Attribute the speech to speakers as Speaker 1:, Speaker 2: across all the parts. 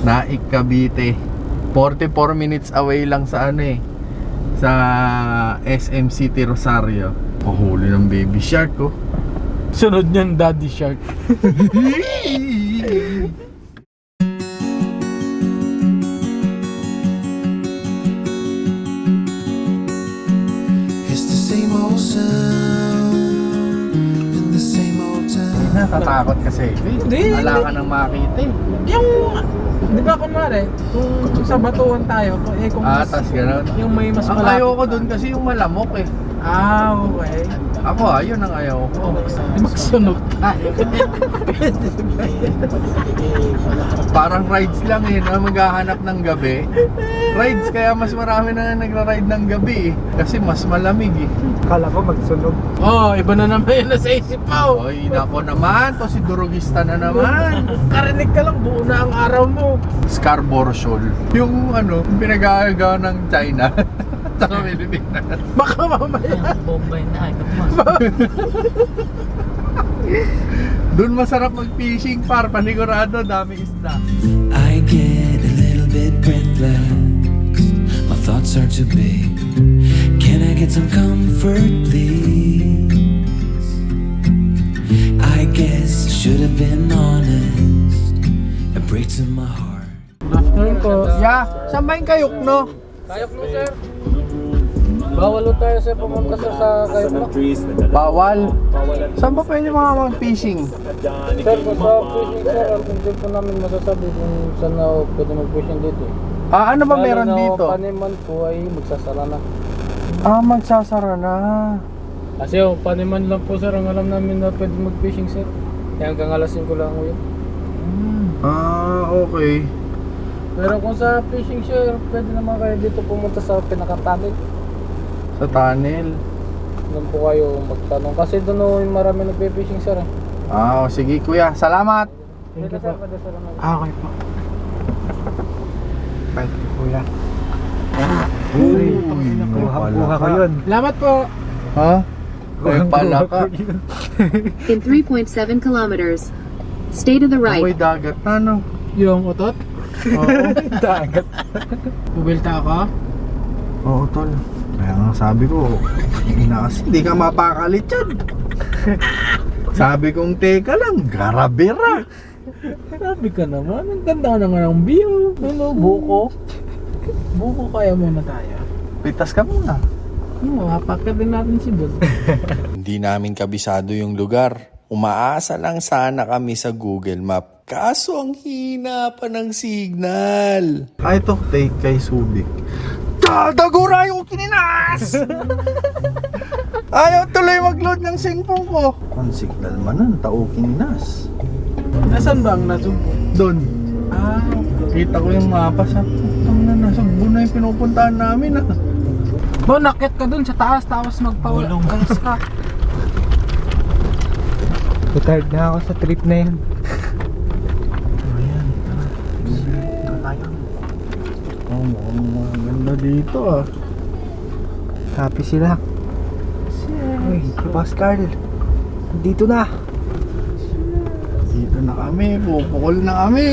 Speaker 1: Naik, Cavite. 44 minutes away lang sa ano eh, sa SM City Rosario. Pahuli ng baby shark ko.
Speaker 2: Sunod niyan, Daddy Shark.
Speaker 3: It's the same old sound in the same old town.
Speaker 1: Natatakot kasi.
Speaker 2: Hindi.
Speaker 1: Wala ka nang makita eh.
Speaker 2: Yung, di ba kunwari, kung sa batuan tayo, kung
Speaker 1: Tas gano'n.
Speaker 2: yung may mas
Speaker 1: Ang
Speaker 2: malapit.
Speaker 1: ayoko dun kasi yung malamok eh.
Speaker 2: Okay.
Speaker 1: Ako yun ang ayaw ko.
Speaker 2: Di magsunog.
Speaker 1: Parang rides lang eh, na maghahanap ng gabi. Rides, kaya mas marami na nagra-ride ng gabi eh. Kasi mas malamig eh.
Speaker 4: Kala ko magsunog.
Speaker 2: Iba na naman yun nasa isip mo.
Speaker 1: Oy, nako naman, to si Durugista na naman.
Speaker 2: Karinig ka lang, buo na ang araw mo.
Speaker 1: Scarborough Shoal. Yung ano, pinag-aagaw ng China. Sa Pilipinas.
Speaker 2: Baka mamaya.
Speaker 5: Bombay na,
Speaker 1: Doon masarap mag-fishing par, panigurado, dami isda.
Speaker 3: I get a little bit breathless. My thoughts are too big. Can I get some comfort, please? I guess I should have been honest. It breaks in my heart.
Speaker 2: Afternoon po.
Speaker 1: Yeah, saan ba yung kayok, no?
Speaker 2: Kayok mo, sir. Bawal lo tayo sa pumunta sa kayok mo.
Speaker 1: Bawal. Saan ba pwede mga mag-fishing?
Speaker 2: Sir, kung sa fishing, sir, hindi po namin masasabi kung saan na pwede mag-fishing dito.
Speaker 1: Ano ba meron
Speaker 2: Lalo na
Speaker 1: dito?
Speaker 2: Paniman po ay magsasara na.
Speaker 1: Magsasara na.
Speaker 2: Kasi paniman lang po, sir, ang alam namin na pwede mag-fishing, sir. Kaya hanggang alas 5 lang ko yun.
Speaker 1: Okay.
Speaker 2: Pero kung sa fishing, sir, pwede naman kayo dito pumunta sa pinaka-tunnel.
Speaker 1: Sa tunnel.
Speaker 2: Doon po kayo magtanong. Kasi doon yung marami nagpe-fishing, sir.
Speaker 1: Sige kuya, salamat.
Speaker 2: Thank you po.
Speaker 4: Okay po. Thank you, kuya. Buha ko yun.
Speaker 2: Salamat po.
Speaker 1: Ha? Pala ka.
Speaker 6: In 3.7 kilometers. Stay to the
Speaker 1: Amoy
Speaker 6: right.
Speaker 1: dagat na, no?
Speaker 2: Yung utot?
Speaker 1: Oo.
Speaker 4: Dagat.
Speaker 2: Pubilta ako?
Speaker 1: Oo, tol. Kaya nga sabi ko, hindi ka mapakalit yan. Sabi kong teka lang, garabera.
Speaker 2: Sabi ka naman, ang ganda naman ng view. Ano, buko? Buko kaya muna tayo.
Speaker 1: Pitas ka muna.
Speaker 2: Mapakit din natin si Bud.
Speaker 7: Hindi namin kabisado yung lugar. Umaasa lang sana kami sa Google Map. Kaso ang hina pa ng signal.
Speaker 1: Ito, take kay Subic. Dagura yung kininas! Ayaw tuloy mag-load ng singpong ko. Ang signal man nun, tao kininas.
Speaker 2: Nasaan ba ang nasumpo?
Speaker 1: Doon. Kita ko yung mapa sa putang na nasa na yung pinupuntahan namin
Speaker 2: Bo, nakit ka dun sa taas, tapos magpawalong gas ka.
Speaker 4: Tired na ako sa trip na yun.
Speaker 1: Ayan, tara tayo. Mukhang maganda dito
Speaker 4: Happy sila. Uy, si Boss Carl. Dito na.
Speaker 1: Dito na kami, pupukol na kami.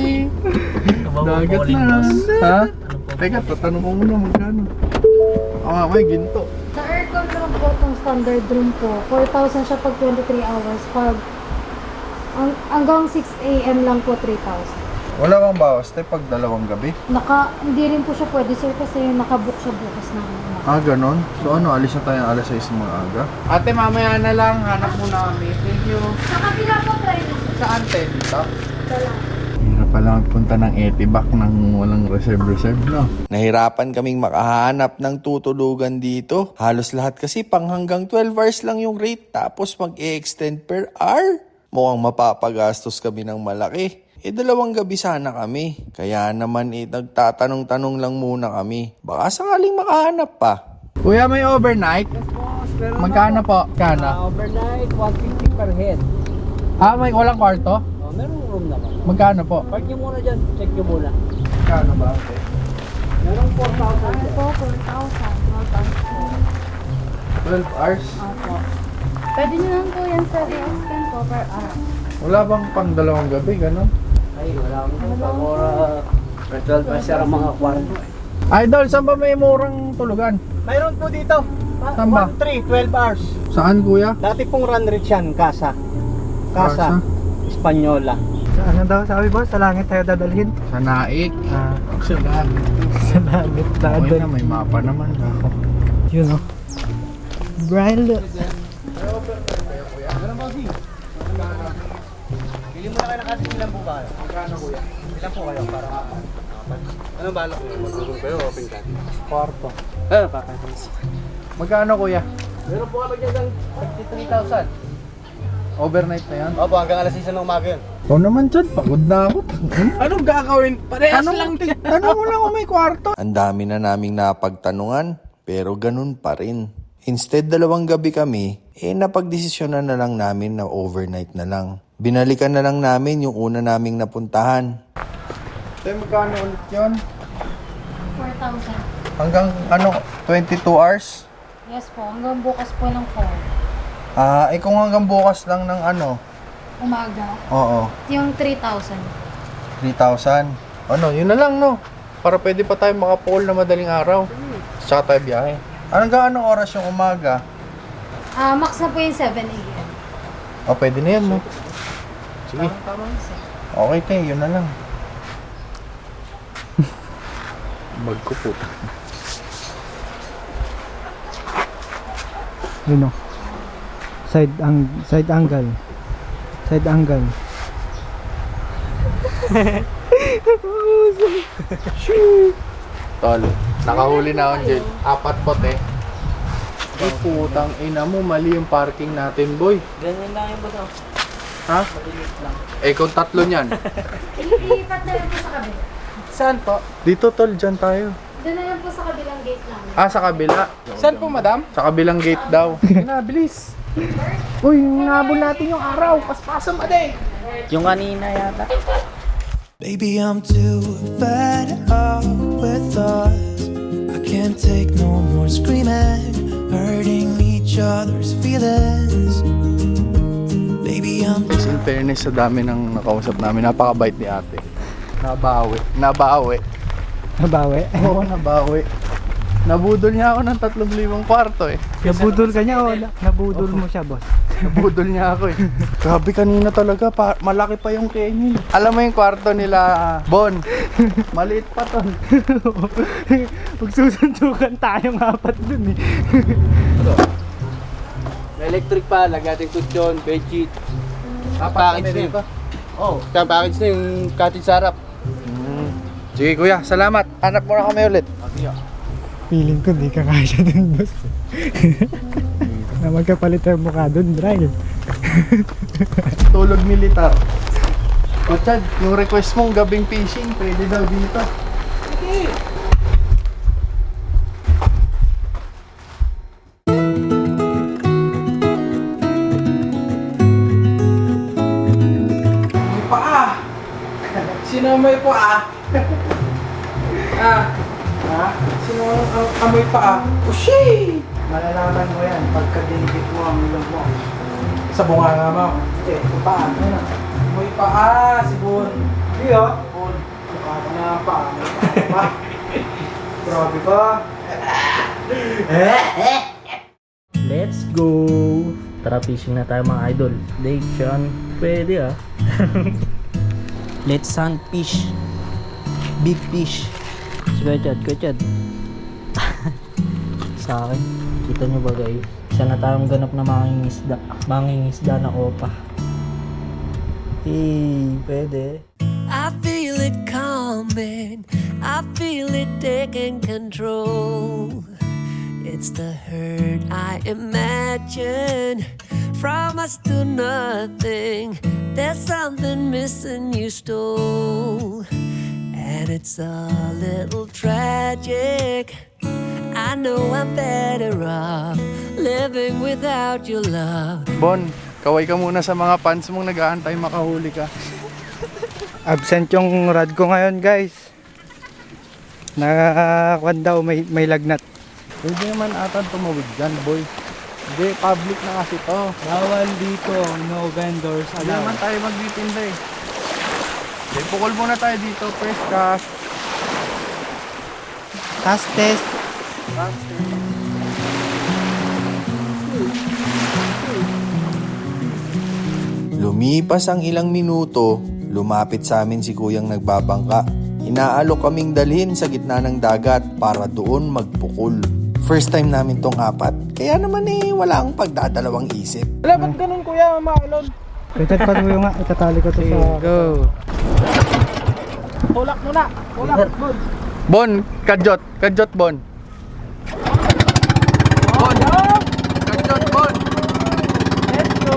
Speaker 1: Dagat na. Ha? Teka, tatanong ko muna magkano. May ginto.
Speaker 8: Sa aircon lang po itong standard room po. 4,000 siya pag 23 hours. Pag hanggang 6 AM lang po 3,000.
Speaker 1: Wala bang bawas tayo pag dalawang gabi?
Speaker 8: Hindi rin po siya pwede sir kasi nakabook siya bukas na.
Speaker 1: Ganon? So alis na tayo alas 6 mga aga? Ate, mamaya na lang. Hanap muna kami. Thank you.
Speaker 8: Sa kapila po tayo.
Speaker 1: Saan tayo dito?
Speaker 8: Ito lang.
Speaker 1: Hirap pala magpunta ng Etibac nang walang reserve, no?
Speaker 7: Nahirapan kaming makahanap ng tutulugan dito. Halos lahat kasi pang hanggang 12 hours lang yung rate tapos mag-e-extend per hour. Mukhang mapapagastos kami ng malaki. 2 gabi sana kami. Kaya naman nagtatanong-tanong lang muna kami. Baka sakaling makahanap pa.
Speaker 1: Kuya, may overnight? Magkano po?
Speaker 2: Overnight, 150 per head.
Speaker 1: May walang kwarto?
Speaker 2: Merong room naman.
Speaker 1: Magkano po?
Speaker 2: Park nyo muna dyan, check nyo muna.
Speaker 1: Magkano ba?
Speaker 2: Merong 4,000
Speaker 8: Ano
Speaker 2: dyan.
Speaker 8: po, 4,000.
Speaker 1: 12 hours?
Speaker 8: Opo. Pwede nyo lang po yan sir i-extend po per araw.
Speaker 1: Wala bang pang 2 gabi, gano'n?
Speaker 2: Ay,
Speaker 4: Wala akong pamura. 12 bars ang mga kwarto.
Speaker 1: Idol, saan ba may murang tulugan?
Speaker 4: Mayroon po dito.
Speaker 1: Saan ba?
Speaker 4: 12 hours.
Speaker 1: Saan kuya?
Speaker 4: Dati pong run rate yan, Casa. Casa. Espanyola. Sa ano daw sabi boss? Sa langit tayo dadalhin?
Speaker 1: Sa Naik.
Speaker 4: Sa langit. Sa langit
Speaker 1: Okay na, may mapa naman.
Speaker 4: Yun o. Brian look. Bili mo na kayo ng kasi ilan po ba kayo? Magkano kuya? Ilan po kayo para ano balak mo? Magulong kayo open cut? Kwarto. Pakakis.
Speaker 1: Magkano kuya?
Speaker 4: Meron po kami dyan ng 33,000.
Speaker 1: Overnight na yan?
Speaker 4: Opo, hanggang alas 6 ng umaga yun.
Speaker 1: Ikaw naman dyan, pagod na ako.
Speaker 2: Anong gagawin? Parehas lang din.
Speaker 1: Ano mo lang kung may kwarto?
Speaker 7: Ang dami na naming napagtanungan, pero ganun pa rin. Instead 2 gabi kami, napagdesisyonan na lang namin na overnight na lang. Binalikan na lang namin yung una naming napuntahan.
Speaker 1: Tayo magkano ulit yun?
Speaker 8: 4,000.
Speaker 1: Hanggang 22 hours?
Speaker 8: Yes po, hanggang bukas po ng 4.
Speaker 1: Kung hanggang bukas lang ng
Speaker 8: Umaga.
Speaker 1: Oo,
Speaker 8: Yung 3,000.
Speaker 1: 3,000. Yun na lang no. Para pwede pa tayo makapool na madaling araw. Tsaka tayo biyahe. Anong oras yung umaga?
Speaker 8: Max na po yung 7 a.m.
Speaker 1: Pwede na yan no. Sige. Okay tayo, yun na lang. Bag ko po.
Speaker 4: Yun o. Side angle. Side angle.
Speaker 1: Tol, nakahuli na ako dyan. 4 pote. Ay, putang ina mo, mali yung parking natin, boy.
Speaker 4: Ganyan lang yung bato.
Speaker 1: Ha? Kung 3 niyan.
Speaker 8: Ilipat na lang po sa kabila.
Speaker 2: Saan po?
Speaker 1: Dito, tol, dyan tayo.
Speaker 8: Doon na lang po sa kabilang gate namin.
Speaker 1: Sa kabila.
Speaker 2: Saan po, madam?
Speaker 1: Sa kabilang gate daw.
Speaker 2: Nabilis. Uy, nabol natin yung araw. Paspasan pa din.
Speaker 4: Yung kanina yata.
Speaker 3: Baby, I'm too fed up with us. I can't take no more screaming, hurting each other's feelings. Baby, I'm
Speaker 1: Kasi in fairness sa dami ng nakausap namin, napakabait ni ate. Nabawi. Nabawi. Oo, nabawi. Nabudol niya ako ng 3,000 kwarto eh.
Speaker 4: Nabudol ka niya o nabudol mo siya, boss?
Speaker 1: Nabudol niya ako eh. Grabe kanina talaga, malaki pa yung Kenny. Alam mo yung kwarto nila, Bon, maliit pa to.
Speaker 4: Magsusuntukan tayong 4 dun eh.
Speaker 2: May electric pa, lagating kutsyon, bedsheet.
Speaker 1: Package na ito.
Speaker 2: Oh, package na yung cottage sarap.
Speaker 1: Sige kuya, salamat. Hanap mo na kami ulit.
Speaker 4: Feeling ko di ka kaya dun, boss. Na magkapalit ang mukha dun, drive.
Speaker 1: Tulog militar. Kutsad, yung request mong gabing fishing, pwede daw dito.
Speaker 2: May paa! Sino may paa? Sino ang amoy paa? Ushi!
Speaker 4: Malalaman mo yan pagka dinigit mo ang ilong mo.
Speaker 2: Sa bunganga mo.
Speaker 4: Hindi, yung paa.
Speaker 2: Amoy paa, si Bon.
Speaker 4: Hindi oh.
Speaker 2: Bon. Mukha ka na ang paa. May paa.
Speaker 4: Grabe ka. Let's go! Tara fishing na tayo mga idol. Lake Sean. Pwede ah. Let's hunt fish. Big fish. Kuchad. Sa akin, kita nyo ba guys? Isa na tayong ganap na mangingisda na opa. Pwede.
Speaker 5: I feel it coming, I feel it taking control. It's the hurt I imagine from us to nothing. There's something missing you stole, and it's a little tragic. I know I'm better off living without your love.
Speaker 1: Bon, kaway ka muna sa mga fans mong nag-aantay makahuli ka.
Speaker 4: Absent yung rod ko ngayon guys. Nakakuan daw, may lagnat.
Speaker 1: Pwede naman ata tumawid dyan, boy. Hindi, public na kasi to.
Speaker 4: Bawal dito, no vendors
Speaker 1: Hindi naman tayo magtitinda eh. Okay, pukol muna tayo dito. First cast.
Speaker 4: Cast test.
Speaker 7: Lumipas ang ilang minuto, lumapit sa amin si kuyang nagbabangka. Inaalok kaming dalhin sa gitna ng dagat para doon magpukol. First time namin tong apat, kaya naman wala akong pagdadalawang isip.
Speaker 2: Wala, ba't ganun kuya, maalon?
Speaker 4: Richard, panuyo nga. Itatali ko to sa...
Speaker 2: Go. Tulak mo na. Tulak, good.
Speaker 1: Bon, kadyot. Kadyot, Bon. Bon. Kadyot, Bon.
Speaker 2: Let's go.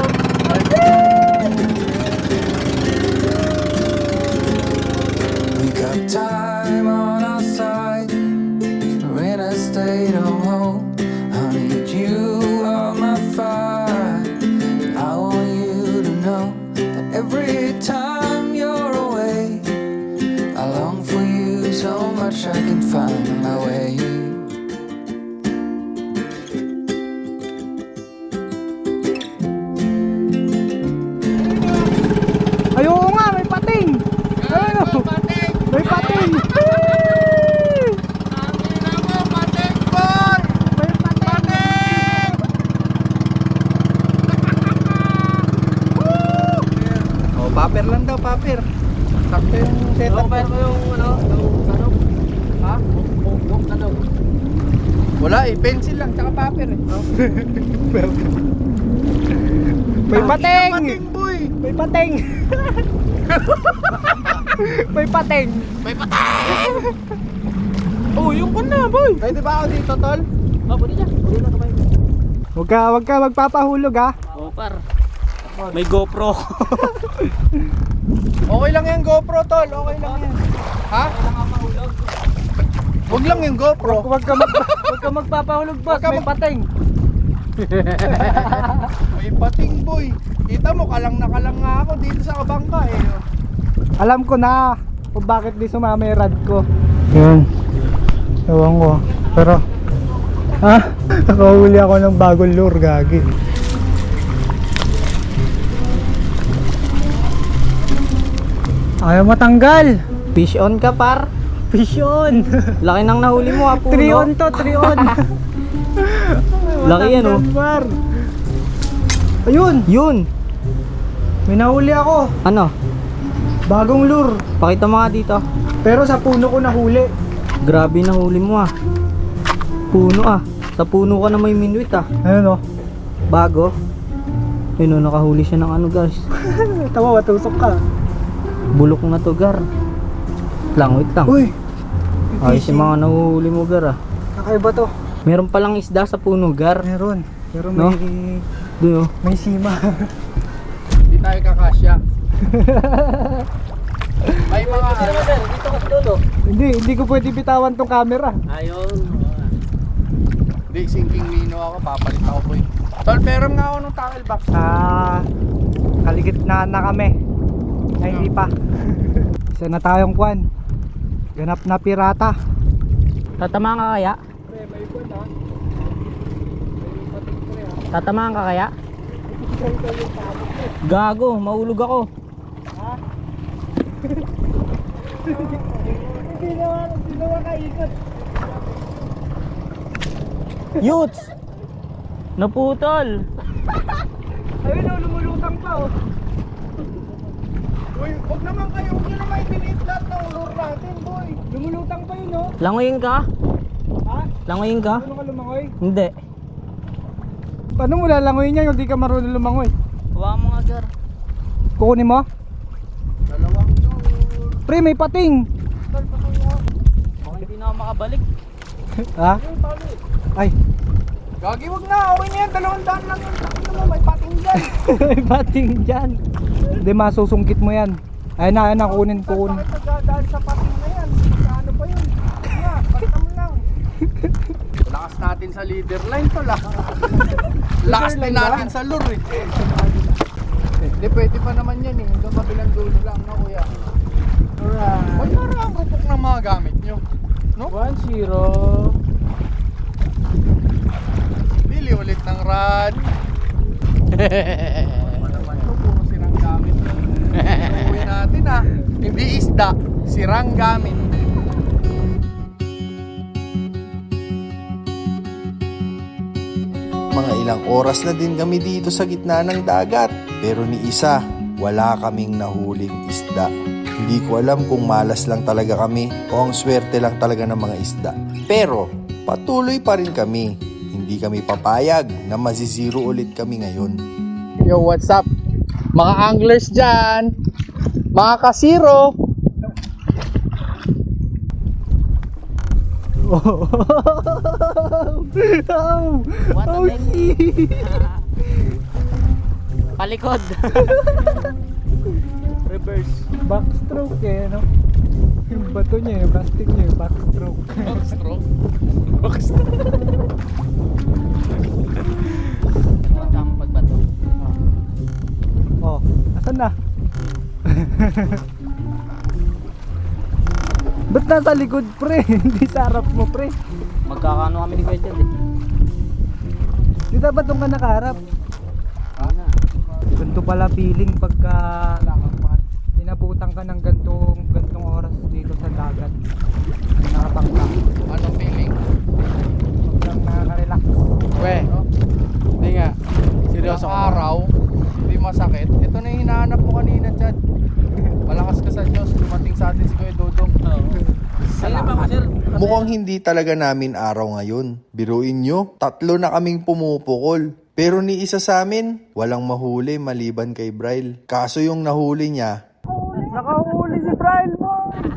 Speaker 3: We got time on our side. We're in a state of home. I need you on my fire. I want you to know that every time you're away, I long for you so much I can find my way.
Speaker 4: Ayun nga, may pating! Ayun! May pating!
Speaker 1: Oh, paper lang daw, paper. Sakto yung setup.
Speaker 2: Pero ko yung ano, yung tanong.
Speaker 1: Ha?
Speaker 2: Yung tanong.
Speaker 1: Wala eh, pencil lang, tsaka paper eh.
Speaker 4: May pating!
Speaker 1: Pating, boy!
Speaker 4: May pating! May pating!
Speaker 2: Oh, yung ka na, boy.
Speaker 1: Pwede ba ako dito, tol?
Speaker 2: Oh, pwede dyan. Pwede na kamay.
Speaker 4: Huwag ka magpapahulog ha.
Speaker 2: Oh, par. May GoPro.
Speaker 1: Okay lang yung GoPro, tol. Okay lang yan. Ha? Huwag lang yung GoPro.
Speaker 4: Huwag ka magpapahulog boss,
Speaker 1: Huwag ka
Speaker 4: may pating.
Speaker 1: May pating, boy. Kita mo, kalang na nga ako dito sa kabangka eh.
Speaker 4: Alam ko na kung bakit di sumama yung rad ko. Yun. Ewan ko. Pero, nakahuli ako ng bagong lure, gagi. Ayaw matanggal.
Speaker 9: Fish on ka par.
Speaker 4: Fish on.
Speaker 9: Laki nang nahuli mo ha, puno.
Speaker 4: 3 on to, 3 on.
Speaker 9: Laki yan, oh.
Speaker 4: Par. Ayun,
Speaker 9: Yun.
Speaker 4: may nahuli ako.
Speaker 9: Ano?
Speaker 4: Bagong lure.
Speaker 9: Pakita mo nga dito.
Speaker 4: Pero sa puno ko nahuli.
Speaker 9: Grabe nahuli mo ah. Puno ah. Sa puno ka na may minuit ah.
Speaker 4: Ayun oh.
Speaker 9: Bago. Yun oh, nakahuli siya ng ano guys.
Speaker 4: Tawa, matusok ka.
Speaker 9: Bulok na to gar. Wait lang.
Speaker 4: Uy,
Speaker 9: Ayos yung mga nahuhuli mo gar ah.
Speaker 4: kakaiba to.
Speaker 9: Meron palang isda sa puno gar.
Speaker 4: Meron. Pero
Speaker 9: No? Doon oh.
Speaker 4: may sima.
Speaker 1: Hindi tayo kakasya. May mga...
Speaker 2: Dito ka sa dulo.
Speaker 4: Hindi ko pwede bitawan tong camera.
Speaker 2: Ayun.
Speaker 1: Hindi, sinking mino ako. Papalit ako, boy. Tol, meron nga ako nung tackle box.
Speaker 4: Kaligit na kami. Ay, hindi pa. Isa na tayong kwan. Ganap na pirata.
Speaker 9: Tatamaan ka kaya? Tatamaan ka kaya? Gago, maulog ako.
Speaker 4: Hindi naman kaikot.
Speaker 9: Yuts! Naputol!
Speaker 4: Ayun oh, lumulutang pa oh.
Speaker 1: Uy, huwag naman kayo. Huwag nyo naman ipinit lahat ng lure natin, boy.
Speaker 4: Lumulutang pa yun oh.
Speaker 9: Langoyin ka?
Speaker 4: Ha?
Speaker 9: Langoyin ka?
Speaker 4: Ano ka lumangoy?
Speaker 9: Hindi.
Speaker 4: Paano mo lalangoy niya yung di ka marunong lumangoy?
Speaker 9: Huwag mo nga gar.
Speaker 4: Kukunin mo?
Speaker 1: Dalawang lure.
Speaker 4: Pre, may pating.
Speaker 9: Baka hindi na ako makabalik.
Speaker 4: Ha? Ay,
Speaker 1: Gagi, wag na. Okay na yan. 200 lang yung takin mo. May pating dyan.
Speaker 4: may pating dyan. Hindi, masusungkit mo yan. Ayun na, kukunin.
Speaker 1: Bakit nagdadaan sa pating na yan? Ano pa yun? Nga, basta mo lang. Lakas natin sa leader line to lah. Lakas din natin sa lure eh. Hindi, pwede pa naman yan eh. Hanggang kabilang dulo lang na kuya.
Speaker 4: Alright.
Speaker 1: Huwag na rin ang rupok ng mga gamit nyo. No?
Speaker 2: 1-0.
Speaker 1: Bili ulit ng rad. Ano naman ito? Puro sinang gamit. Uwi natin. natin ah. Hindi isda, sirang gamit.
Speaker 7: Mga ilang oras na din kami dito sa gitna ng dagat. Pero ni isa, wala kaming nahuling isda. Hindi ko alam kung malas lang talaga kami o ang swerte lang talaga ng mga isda. Pero patuloy pa rin kami. Hindi kami papayag na mazizero ulit kami ngayon.
Speaker 1: Yo, what's up? Mga anglers dyan, mga kasiro.
Speaker 9: What a shit!
Speaker 4: Palikod.
Speaker 9: Reverse. Backstroke eh, no? Yung bato niya, yung plastic niya, yung backstroke.
Speaker 1: Backstroke?
Speaker 4: Tamang pagbato.
Speaker 9: Oh, asan na? Ba't nasa likod, pre? Hindi sa harap mo, pre.
Speaker 4: Magkakano kami ni Kuya Chad eh.
Speaker 9: Di dapat doon ka nakaharap. Ganito pala feeling pagka inabutan ka ng gantong oras dito sa dagat. Nakapangka.
Speaker 1: Anong feeling?
Speaker 9: Sobrang nakaka-relax.
Speaker 1: We, hindi nga. Seryoso araw, hindi masakit. Ito na yung hinahanap mo kanina, Chad. Malakas ka sa Diyos, dumating sa atin si Kuya Dodong.
Speaker 7: Mukhang hindi talaga namin araw ngayon. Biruin nyo, 3 na kaming pumupukol. Pero ni isa sa amin, walang mahuli maliban kay Bryle. Kaso yung nahuli niya,
Speaker 9: Nakahuli si Brian mo!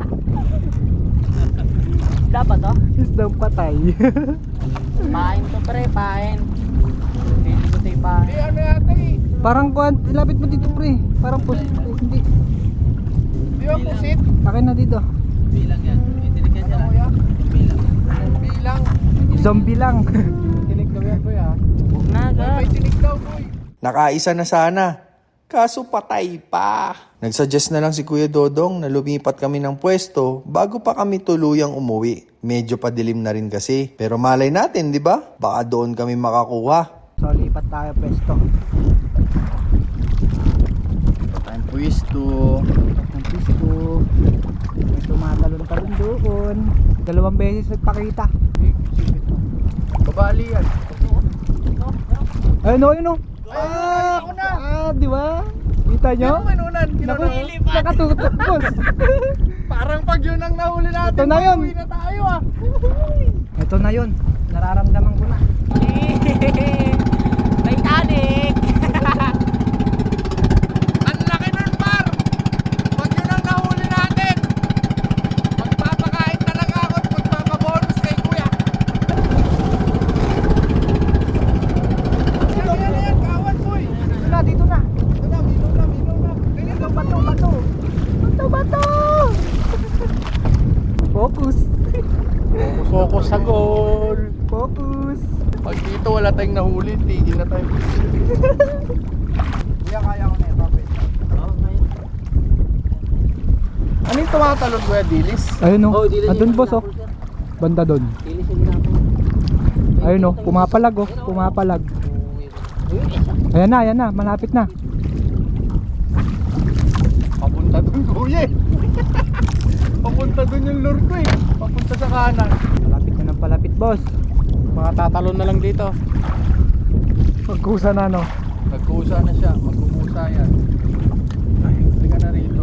Speaker 4: Dapat to?
Speaker 9: Isdang patay.
Speaker 4: Pain to pre, pain. Hindi ko tayo pain.
Speaker 1: Hindi, ano yata eh.
Speaker 9: Parang kuhan, ilapit mo dito, pre. Parang hindi.
Speaker 1: Di ba pusit?
Speaker 9: Akin na dito.
Speaker 4: Bilang yan. Itilikan niya lang.
Speaker 1: Kuya?
Speaker 4: Bilang.
Speaker 1: Bilang.
Speaker 9: Zombie lang.
Speaker 1: Tinig daw yan, Kuya.
Speaker 4: Huwag na ga.
Speaker 1: May tinig daw, boy.
Speaker 7: nakaisa na sana. Kaso patay pa. Nagsuggest na lang si Kuya Dodong na lumipat kami ng pwesto bago pa kami tuluyang umuwi. Medyo padilim na rin kasi. Pero malay natin, di ba? Baka doon kami makakuha.
Speaker 9: So, lipat tayo pwesto.
Speaker 1: Time pwesto.
Speaker 9: Ang pwesto. May tumatalon-talon doon. 2 beses nagpakita.
Speaker 1: Babali yan.
Speaker 9: Ayun o, ayun o.
Speaker 1: Ako na.
Speaker 9: Di ba? Kita nyo?
Speaker 1: Kinunan.
Speaker 9: Nakatutok, boss.
Speaker 1: Parang pag yun ang nahuli natin,
Speaker 9: Ito na yun.
Speaker 1: uwi na tayo ah.
Speaker 9: Ito na yun. Nararamdaman ko na.
Speaker 4: Titanic!
Speaker 1: Ang laki nun, par. Pag yun ang nahuli natin, magpapakain talaga ako at magpapabonus kay Kuya. Yan, kawan, boy.
Speaker 9: Dito na, dito na.
Speaker 1: Ito na, milo na. Ganyan, bato.
Speaker 9: Bato! Focus.
Speaker 1: Focus sa goal.
Speaker 9: Focus.
Speaker 1: Pag dito wala tayong nahuli, tigil na tayo. Kuya, kaya ko na ito. Ano yung tumatalon, Kuya? Dilis?
Speaker 9: Ayun o.
Speaker 4: Oh, dilis
Speaker 9: Andun,
Speaker 4: yung
Speaker 9: boss o.
Speaker 4: pinapol, sir.
Speaker 9: Banda doon.
Speaker 4: Kilis yung ginagawa.
Speaker 9: Ayun o. Pumapalag o. Pumapalag. Ayan na. Malapit na.
Speaker 1: Papunta dun, Kuya. Papunta dun yung lure ko eh. Papunta sa kanan.
Speaker 9: Malapit na ng palapit, boss.
Speaker 1: Mga tatalon na lang dito.
Speaker 9: Magkusa na, no?
Speaker 1: Nagkusa na siya. Magkukusa yan. Ay, hindi ka na rito.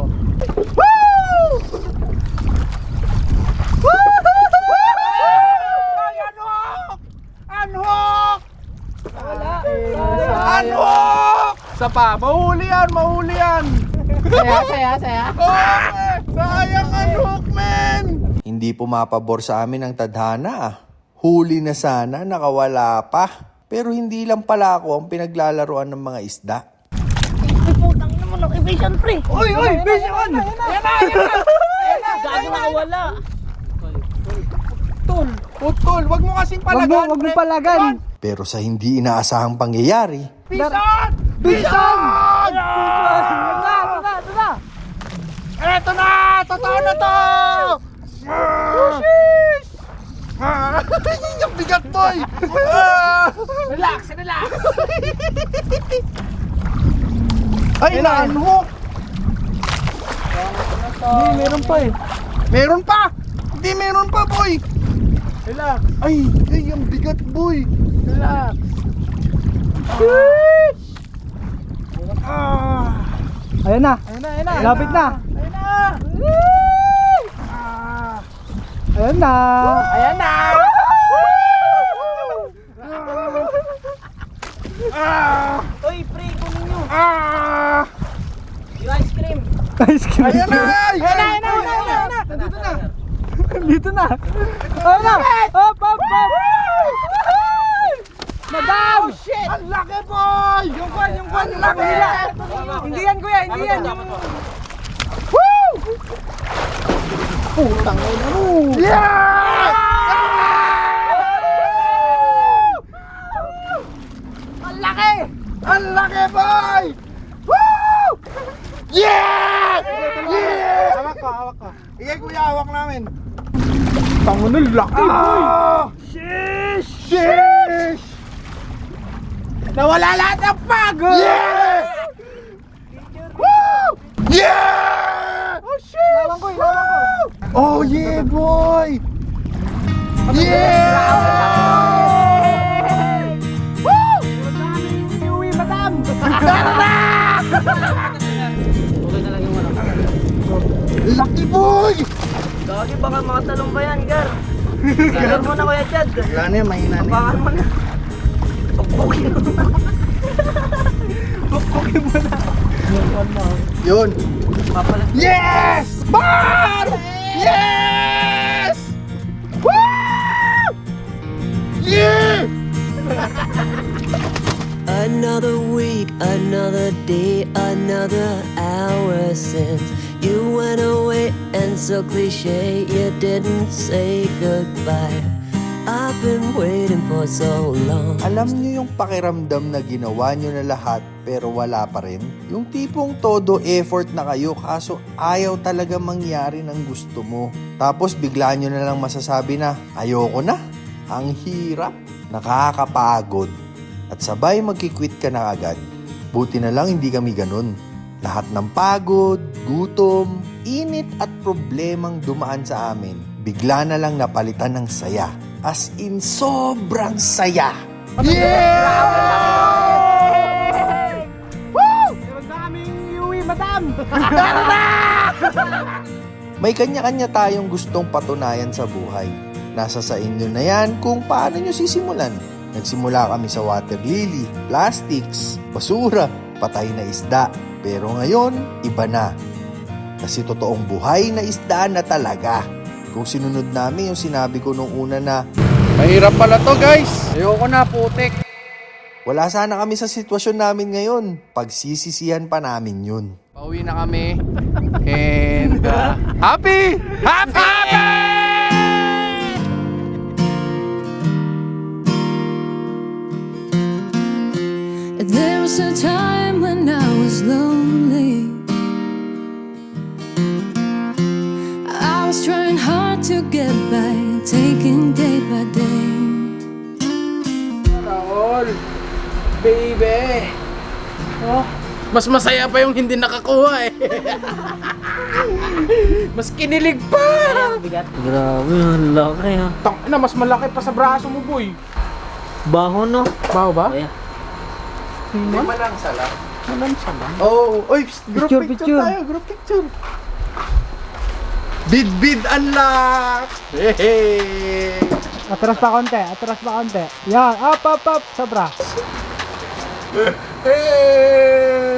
Speaker 1: Unhook! Unhook! Isa pa. Mahuli yan.
Speaker 4: Saya.
Speaker 1: Okay! Sayang unhook, man!
Speaker 7: Hindi pumapabor sa amin ang tadhana ah. Huli na sana, nakawala pa. Pero hindi lang pala ako ang pinaglalaroan ng mga isda.
Speaker 4: Putang ina mo ng evasion pre.
Speaker 1: Uy! Vision! Yan na!
Speaker 4: Gago nakawala.
Speaker 1: Putol! Wag mo kasing palagan!
Speaker 9: Wag mo palagan.
Speaker 7: Pero sa hindi inaasahang pangyayari,
Speaker 1: Vision! Eto na! Totoo na to! Yung bigat, boy! Relax! Ay, na-unhook!
Speaker 2: Hindi, meron pa eh.
Speaker 1: Meron pa! Hindi, meron pa, boy!
Speaker 2: Relax.
Speaker 1: Ay, ang bigat, boy!
Speaker 2: Relax.
Speaker 9: Ayan na.
Speaker 2: Ayun na, ayun na.
Speaker 9: Lapit na.
Speaker 2: Ayun na.
Speaker 9: Ayan na.
Speaker 2: Ayan na. Uy, pre, kunin nyo. Yung ice cream.
Speaker 9: Ice cream.
Speaker 1: Ayan na!
Speaker 2: Ayun na, ayun na, ayun na, ayun na.
Speaker 1: Nandito na!
Speaker 9: Dito na. Ayan na. Hop, hop, hop. Madam!
Speaker 1: Oh, shit! Ang laki, boy!
Speaker 9: Yung kwan, yung
Speaker 1: laki!
Speaker 9: nila. Hindi yan, kuya. Hindi yan. Yung...
Speaker 1: Putang ina mo! Yeah! Ang laki! Ang laki, boy! Woo! Yeah! Yeah!
Speaker 2: Hawak ko, hawak ko.
Speaker 1: Ikaw, kuya, hawak namin.
Speaker 2: Tango na, laki, boy.
Speaker 1: Sheesh! Sheesh!
Speaker 2: Nawala lahat ng pagod.
Speaker 1: Yeah! Woo! Yeah!
Speaker 2: Oh, shit.
Speaker 9: Lawan ko, lawan ko.
Speaker 1: Oh, yeah, boy! Yeah! Woo!
Speaker 9: Iuwi, madam.
Speaker 1: Lucky boy!
Speaker 4: Gagi, baka mga talong ba yan, Gar? Gar mo na, Kuya Chad.
Speaker 1: Wala na yan, mahina na yan.
Speaker 4: Baka mo na.
Speaker 1: Yun.
Speaker 4: Papalag.
Speaker 1: Yes! Bar! Yes! Woo! Yeah!
Speaker 5: Another week, another day, another hour since you went away, and so cliche you didn't say goodbye. I've been waiting for so long.
Speaker 7: Alam nyo yung pakiramdam na ginawa nyo na lahat pero wala pa rin? Yung tipong todo effort na kayo kaso ayaw talaga mangyari ng gusto mo. Tapos bigla nyo na lang masasabi na ayoko na. Ang hirap, nakakapagod. At sabay magkikwit ka na agad. Buti na lang hindi kami ganun. Lahat ng pagod, gutom, init at problemang dumaan sa amin, bigla na lang napalitan ng saya. As in, sobrang saya.
Speaker 1: Yeah! Woo!
Speaker 9: Meron na kaming iuwi, madam.
Speaker 7: May kanya-kanya tayong gustong patunayan sa buhay. Nasa sa inyo na yan kung paano nyo sisimulan. Nagsimula kami sa water lily, plastics, basura, patay na isda. Pero ngayon, iba na. Kasi totoong buhay na isda na talaga. Kung sinunod namin yung sinabi ko nung una na
Speaker 1: Mahirap pala to, guys. Ayoko na, putik.
Speaker 7: wala sana kami sa sitwasyon namin ngayon, pagsisisihan pa namin yun.
Speaker 1: Pauwi na kami. And happy! Happy!
Speaker 10: There was a time when I was lonely. I was trying hard to get by, taking day by day.
Speaker 2: Raul, baby. Oh,
Speaker 1: Mas masaya pa yung hindi nakakuha eh. Mas kinilig pa.
Speaker 4: Grabe, ang laki ha.
Speaker 2: tang na, mas malaki pa sa braso mo, boy.
Speaker 4: Baho no?
Speaker 2: Baho ba?
Speaker 4: Kaya.
Speaker 1: Hindi man lang sala.
Speaker 2: Alam sa lang.
Speaker 1: Oh, oy, group
Speaker 9: Picture,
Speaker 1: picture,
Speaker 9: picture.
Speaker 1: tayo, group picture. Bid unlock. Hey.
Speaker 9: Atras pa konti, atras pa konti. Yan, up, up, up. Sobra.
Speaker 1: Hey.